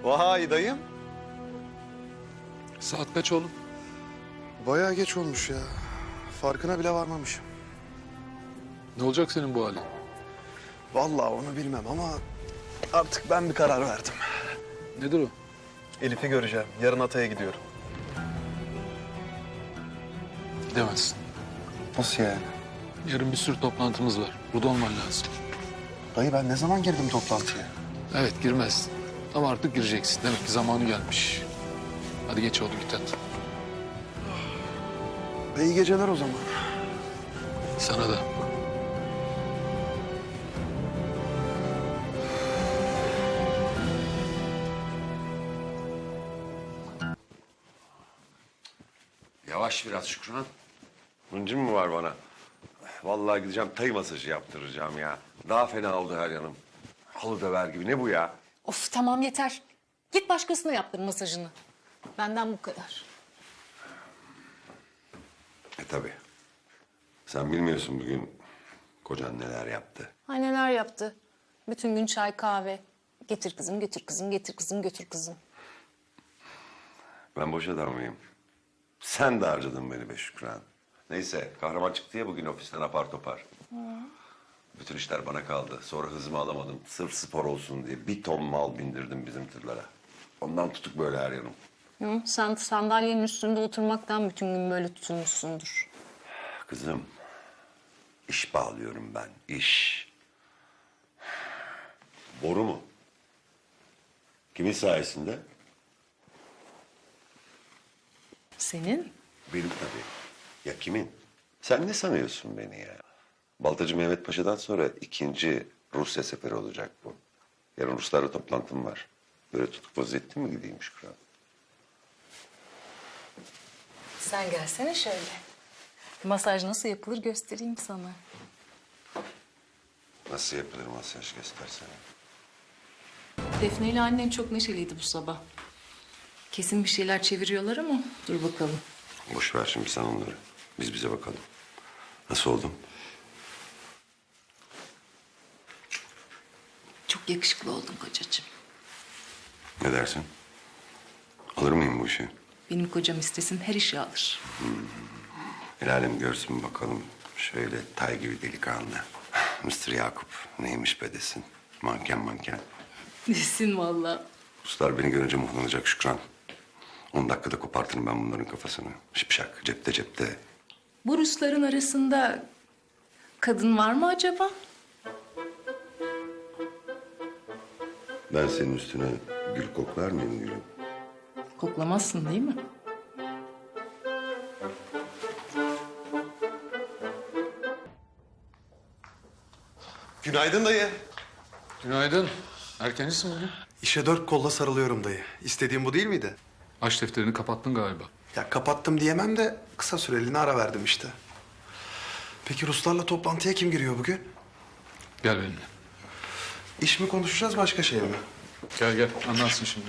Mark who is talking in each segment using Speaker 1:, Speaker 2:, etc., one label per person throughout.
Speaker 1: Vay dayım.
Speaker 2: Saat kaç oğlum?
Speaker 3: Bayağı geç olmuş ya. Farkına bile varmamışım.
Speaker 2: Ne olacak senin bu halin?
Speaker 3: Vallahi onu bilmem ama artık ben bir karar verdim.
Speaker 2: Nedir o?
Speaker 1: Elif'i göreceğim. Yarın Atay'a gidiyorum.
Speaker 2: Gidemezsin.
Speaker 3: Nasıl yani?
Speaker 2: Yarın bir sürü toplantımız var. Burada olman lazım.
Speaker 3: Dayı ben ne zaman girdim toplantıya?
Speaker 2: Evet, girmezsin. Ama artık gireceksin. Demek ki zamanı gelmiş. Hadi geç oğlum, git hadi.
Speaker 3: İyi geceler o zaman.
Speaker 2: Sana da.
Speaker 4: Yavaş biraz Şükran. Hıncın mı var bana? Vallahi gideceğim tay masajı yaptıracağım ya. Daha fena oldu her yanım. Halı döver gibi. Ne bu ya?
Speaker 5: Of tamam yeter. Git başkasına yaptır masajını. Benden bu kadar.
Speaker 4: Tabii. Sen bilmiyorsun bugün kocan neler yaptı.
Speaker 5: Ay neler yaptı. Bütün gün çay kahve. Getir kızım, götür kızım, getir kızım, götür kızım.
Speaker 4: Ben boş adam mıyım? Sen de harcadın beni be Şükran. Neyse kahraman çıktı ya bugün ofisten apar topar. Bütün işler bana kaldı. Sonra hızımı alamadım. Sırf spor olsun diye bir ton mal bindirdim bizim tırlara. Ondan tutuk böyle her yanım.
Speaker 5: Hı, sen sandalyenin üstünde oturmaktan bütün gün böyle tutulmuşsundur.
Speaker 4: Kızım, iş bağlıyorum ben, iş. Boru mu? Kimin sayesinde?
Speaker 5: Senin?
Speaker 4: Benim tabii. Ya kimin? Sen ne sanıyorsun beni ya? Baltacı Mehmet Paşa'dan sonra ikinci Rusya seferi olacak bu. Yarın Ruslarla toplantım var. Böyle tutuk vaziyette mi gideyim Şükran?
Speaker 5: Sen gelsene şöyle. Masaj nasıl yapılır göstereyim sana.
Speaker 4: Nasıl yapılır masaj göstersene.
Speaker 5: Defne ile annen çok neşeliydi bu sabah. Kesin bir şeyler çeviriyorlar ama dur bakalım.
Speaker 4: Boş ver şimdi sen onları. Biz bize bakalım. Nasıl oldum?
Speaker 5: Çok yakışıklı oldun kocacığım.
Speaker 4: Ne dersin? Alır mıyım bu işi?
Speaker 5: Benim kocam istesin her işi alır.
Speaker 4: El alem görsün bakalım. Şöyle tay gibi delikanlı. Mr. Yakup neymiş be desin. Manken manken.
Speaker 5: Desin vallahi.
Speaker 4: Ruslar beni görünce muhlanacak Şükran. 10 dakikada kopartırım ben bunların kafasını. Şipşak cepte cepte.
Speaker 5: Bu Rusların arasında kadın var mı acaba?
Speaker 4: Ben senin üstüne gül koklar mıyım gülüm?
Speaker 5: Koklamazsın değil mi?
Speaker 1: Günaydın dayı.
Speaker 2: Günaydın. Erkencisin bugün.
Speaker 3: İşe 4 kolla sarılıyorum dayı. İstediğim bu değil miydi?
Speaker 2: Aç defterini kapattın galiba.
Speaker 3: Ya kapattım diyemem de kısa süreliğine ara verdim işte. Peki Ruslarla toplantıya kim giriyor bugün?
Speaker 2: Gel benimle.
Speaker 3: İş mi konuşacağız başka şey mi?
Speaker 2: Gel gel, anlarsın şimdi.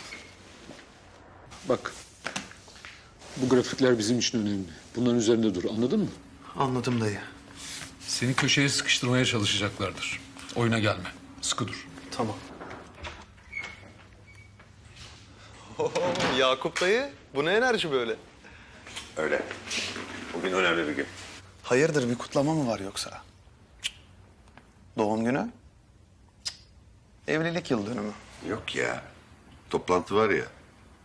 Speaker 2: Bak, bu grafikler bizim için önemli. Bunların üzerinde dur, anladın mı?
Speaker 3: Anladım dayı.
Speaker 2: Seni köşeye sıkıştırmaya çalışacaklardır. Oyuna gelme, sıkı dur.
Speaker 3: Tamam.
Speaker 1: Yakup dayı. Bu ne enerji böyle?
Speaker 4: Öyle. Bugün önemli bir gün.
Speaker 3: Hayırdır bir kutlama mı var yoksa? Doğum günü? Evlilik yıl dönümü.
Speaker 4: Yok ya. Toplantı var ya.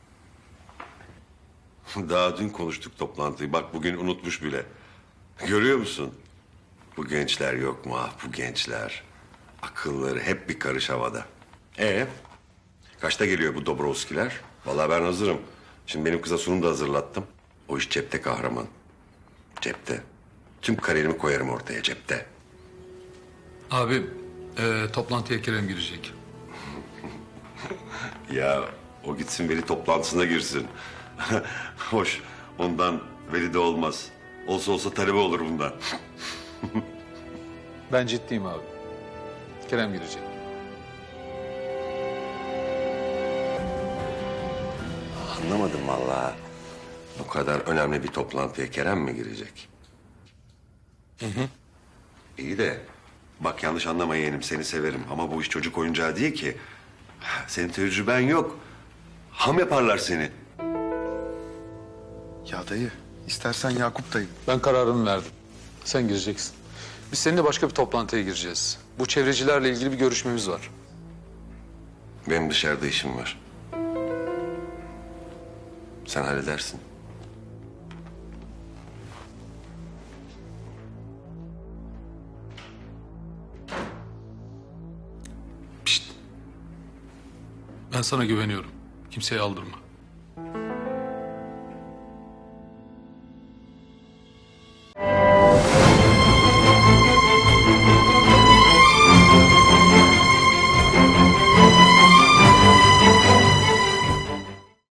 Speaker 4: Daha dün konuştuk toplantıyı. Bak bugün unutmuş bile. Görüyor musun? Bu gençler yok mu? Ah bu gençler. Akılları hep bir karış havada. Kaçta geliyor bu Dobrovskiler? Vallahi ben hazırım. Şimdi benim kıza sunum da hazırlattım. O iş cepte kahraman. Cepte. Tüm kariyerimi koyarım ortaya cepte.
Speaker 2: Abi, toplantıya Kerem girecek.
Speaker 4: Ya o gitsin veli toplantısına girsin. Hoş ondan veli de olmaz. Olsa olsa talebe olur bundan.
Speaker 2: Ben ciddiyim abi. Kerem girecek.
Speaker 4: Anlamadım vallahi. Bu kadar önemli bir toplantıya Kerem mi girecek? İyi de bak yanlış anlama yeğenim seni severim ama bu iş çocuk oyuncağı değil ki. Senin tecrüben yok. Ham yaparlar seni.
Speaker 3: Ya dayı, istersen Yakup dayı.
Speaker 2: Ben kararımı verdim. Sen gireceksin. Biz seninle başka bir toplantıya gireceğiz. Bu çevrecilerle ilgili bir görüşmemiz var.
Speaker 4: Benim dışarıda işim var. Sen halledersin.
Speaker 2: Ben sana güveniyorum. Kimseye aldırma.